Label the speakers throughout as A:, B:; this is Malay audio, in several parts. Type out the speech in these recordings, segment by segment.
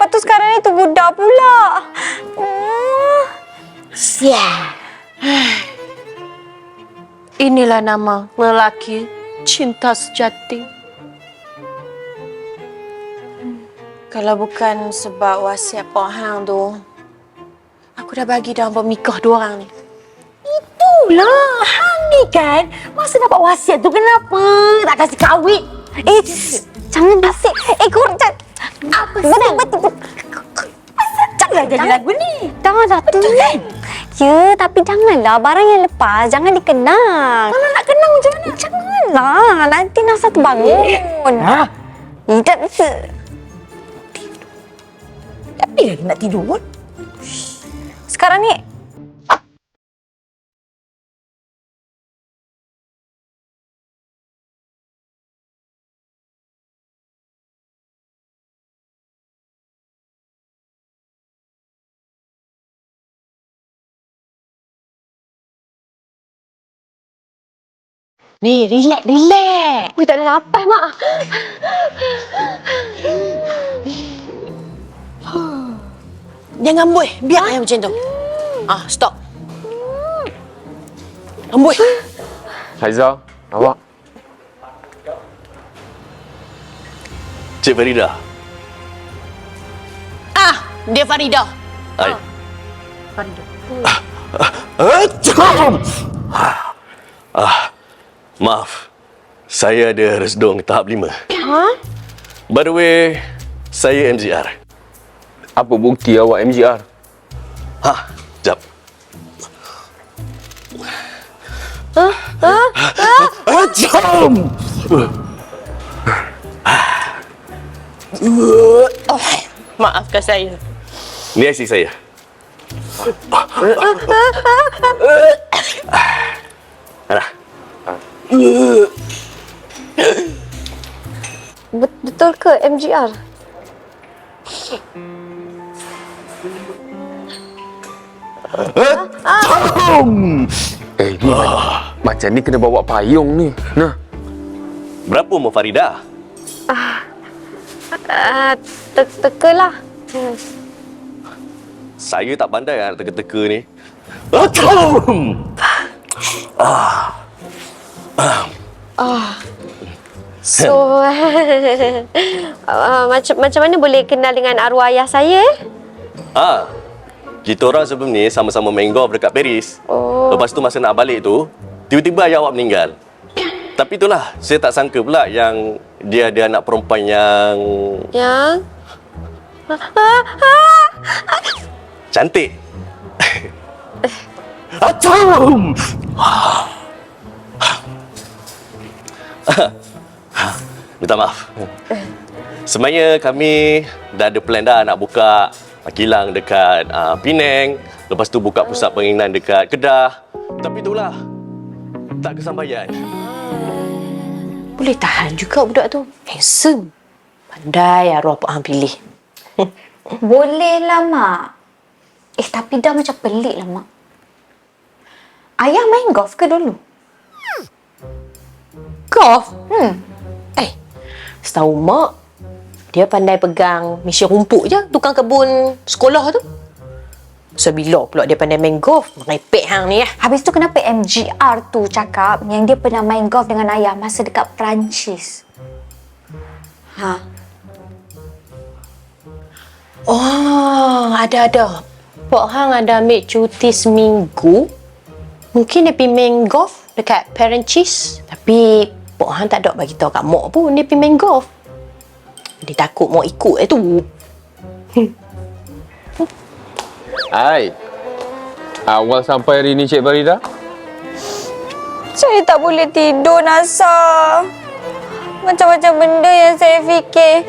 A: tu sekarang ni tu budak pula.
B: Sial.
C: Inilah nama lelaki cinta sejati. Kalau bukan sebab wasiat Pak Hang tu, aku dah bagi dah bernikah dua orang ni.
B: Itulah, Hang ni kan. Masa dapat wasiat tu kenapa tak kasih kahwin?
A: Jangan bisik. Korang
B: Apa sih? Betul. Jangan jadi lagu ni.
A: dah tu. Ya, tapi janganlah barang yang lepas. Jangan dikenang.
B: Kalau nak kenang macam mana?
A: Janganlah. Nanti Nasa terbangun.
B: Ha?
A: Tak bisa.
B: Tapi lagi nak tidur pun.
A: Sekarang ni,
B: Ni, relax.
A: ui, tak ada lapas, Mak.
C: Jangan amboi, biar yang macam tu. Stop. Amboi.
D: Haiza, awak.
E: Cik Farida.
C: Dia Farida.
E: Hai.
C: Farida.
E: Maaf. Saya ada resdung tahap 5. By the way, saya MGR.
D: Apa bukti awak MGR?
E: Jap.
C: Maafkan saya.
E: Ni IC saya. Ana.
A: Betul ke MGR?
D: Ni macam ni kena bawa payung ni. Nah.
E: Berapa umur Farida?
A: Teka lah.
E: Saya tak pandai nak teka-teka ni.
A: So, macam mana boleh kenal dengan arwah ayah saya?
E: Kita orang sebelum ni sama-sama main golf dekat Paris.
A: Oh.
E: Lepas tu masa nak balik tu, tiba-tiba ayah awak meninggal. Tapi itulah, saya tak sangka pula yang dia ada anak perempuan yang...
A: Yang?
E: cantik. Minta maaf. Sebenarnya kami dah ada plan dah nak buka kilang dekat Penang. Lepas tu buka pusat penginan dekat Kedah. Tapi itulah, tak kesampaian.
C: Boleh tahan juga budak tu. Handsome. Pandai arwah Pak Hang pilih.
A: Boleh lah, Mak. Tapi dah macam pelik lah, Mak. Ayah main golf ke dulu?
C: Golf? Setahu Mak, dia pandai pegang mesin rumput je, tukang kebun sekolah tu. So, bila pula dia pandai main golf? Merepek hang ni lah.
A: Habis tu kenapa MGR tu cakap yang dia pernah main golf dengan ayah masa dekat Perancis?
C: Oh, ada. Pak Hang ada ambil cuti seminggu. Mungkin dia pergi main golf dekat Perancis. Tapi Pak Hang tak ada bagi tahu kat Mak pun dia pergi main golf. Dia takut Mak ikut tu.
D: Hai. Awal sampai hari ni Cik Farida?
A: Saya tak boleh tidur, Nasa. Macam-macam benda yang saya fikir.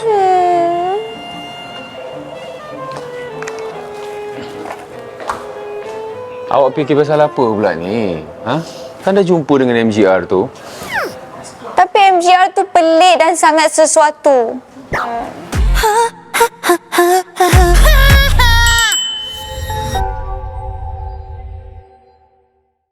D: Awak fikir pasal apa pula ni? Kan dah jumpa dengan MGR tu.
A: Tapi MGR tu pelik dan sangat sesuatu.